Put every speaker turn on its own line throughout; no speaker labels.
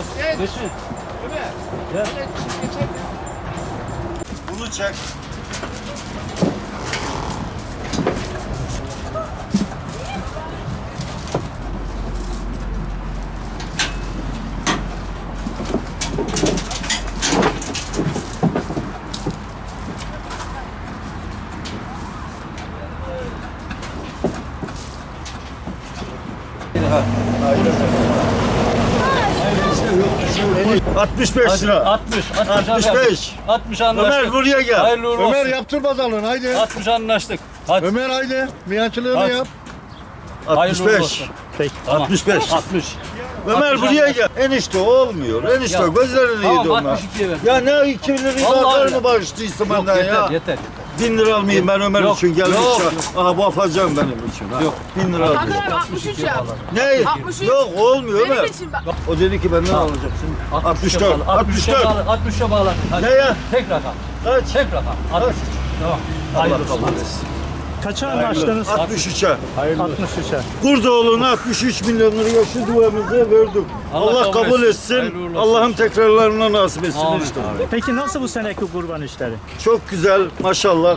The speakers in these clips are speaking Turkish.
Geçin. Gel.
Bunu çek.
Ha,
65 lira.
60.
65.
60 anlaştık.
Ömer buraya gel.
Hayırlı uğurlu
Ömer
olsun.
yaptır bakalım haydi.
60 anlaştık. Hadi.
Ömer haydi. Miyancılığını
Hadi.
yap.
Hayırlı uğurlu
65.
olsun. Peki.
65.
60.
Ömer
60
buraya
anlaştık.
gel. Enişte olmuyor. Enişte
Ya.
gözlerini
Tamam,
yedi onlar.
62'ye ver.
Ya ne 2 lirayı
Vallahi
zararını
öyle.
bağıştıysa
Yok,
benden
yeter,
ya.
yeter.
1000 lira almayayım ben Ömer
Yok,
için gelmiş
yok,
ya.
yok.
Aha bu afacağım benim için. Ha.
Yok.
1000 lira alacağım.
Hakan abi 63 yap.
Ne?
63.
Yok olmuyor
Benim
Ömer.
için bak.
O dedi ki benden alacaksın. 64. 64.
60'a bağla. Hadi.
Ne ya?
Tek rakam.
Kaç?
Tek rakam. 63. Tamam. Hayırlı olsun.
Kaça anlaştınız?
63'e.
63'e.
Kurdoğlu'na 63 milyon liraya şu duamızı verdik. Allah kabul etsin.
Hayırlı uğurlu olsun.
Allah'ım tekrarlarına nasip etsin
Amin.
işte.
Peki nasıl bu seneki kurban işleri?
Çok güzel maşallah.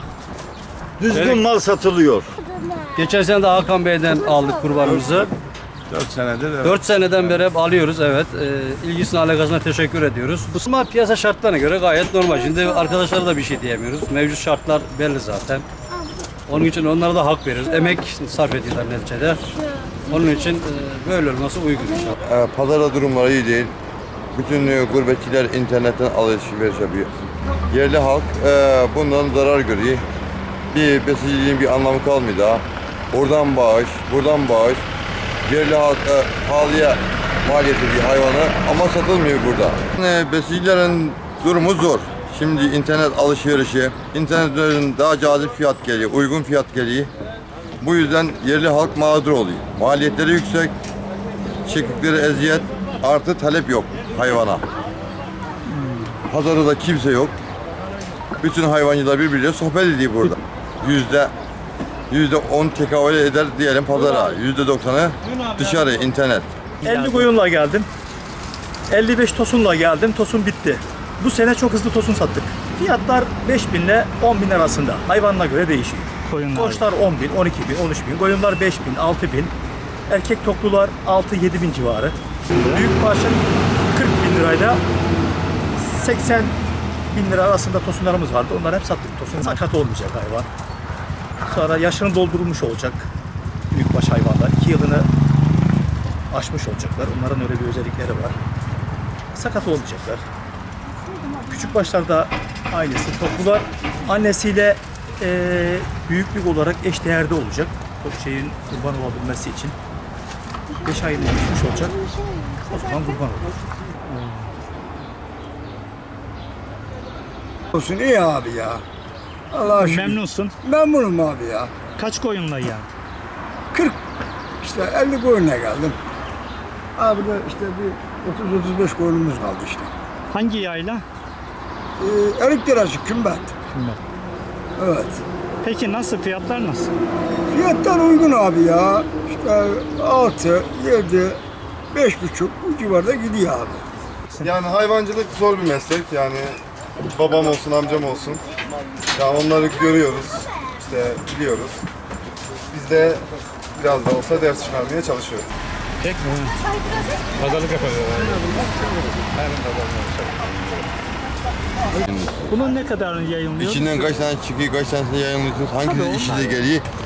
Düzgün mal satılıyor.
Geçen sene de Hakan Bey'den aldık kurbanımızı.
4 senedir evet.
4 seneden beri hep alıyoruz, evet. İlgisine alakasına teşekkür ediyoruz. Bu piyasa şartlarına göre gayet normal. Şimdi arkadaşlara da bir şey diyemiyoruz. Mevcut şartlar belli zaten. Onun için onlara da hak veriyoruz. Emek sarf ediyorlar neticede. Onun için böyle olması uygun inşallah.
Pazarda durumları iyi değil. Bütün gurbetçiler internetten alışveriş yapıyor. Yerli halk bundan zarar görüyor. Bir besiciliğin bir anlamı kalmıyor daha. Oradan bağış, buradan bağış. Yerli halk pahalıya mal ediyor hayvanı ama satılmıyor burada. Besicilerin durumu zor. Şimdi internet alışverişi, internetten daha cazip fiyat geliyor, uygun fiyat geliyor. Bu yüzden yerli halk mağdur oluyor. Maliyetleri yüksek, çektikleri eziyet, artı talep yok hayvana. Pazarda da kimse yok. Bütün hayvancılar birbiriyle sohbet ediyor burada. %10 tekabül eder diyelim pazara. %90'ı dışarı, internet.
50 koyunla geldim. 55 tosunla geldim. Tosun bitti. Bu sene çok hızlı tosun sattık. Fiyatlar 5.000 ile 10.000 arasında. Hayvanına göre değişiyor. Koçlar 10.000, 12.000, 13.000. Koyunlar 5.000, 6.000. Erkek toklular 6-7.000 civarı. Büyük parça 40.000 lirayla 80.000 lira arasında tosunlarımız vardı. Onları hep sattık. Tosun sakat olmayacak hayvan. Sonra yaşını doldurulmuş olacak büyükbaş hayvanlar. 2 yılını aşmış olacaklar. Onların öyle bir özellikleri var. Sakat olmayacaklar. Küçük başlarda ailesi, toplular annesiyle büyüklük olarak eşdeğerde olacak. O şeyin kurban olabilmesi için. 5 ayını geçmiş olacak. O zaman kurban olur.
Olsun iyi abi ya. Allah'a şükür.
Memnunsun.
Memnunum abi ya.
Kaç koyunla geldin?
40 işte 50 koyunla geldim. Abi de işte bir 30-35 koyunumuz kaldı işte.
Hangi yayla?
Erik derası kümbet. Evet.
Peki nasıl? Fiyatlar nasıl?
Fiyatlar uygun abi ya. İşte 6, 7, 5,5 bu civarda gidiyor abi.
Yani hayvancılık zor bir meslek. Yani babam olsun, amcam olsun. Yani onları görüyoruz, işte biliyoruz. Biz de biraz da olsa ders çıkarmaya çalışıyoruz.
Bunun ne kadarını yayınlıyor?
İçinden kaç tane çıkıyor, kaç tanesini yayınlıyorsunuz, hangisi işinize geliyor,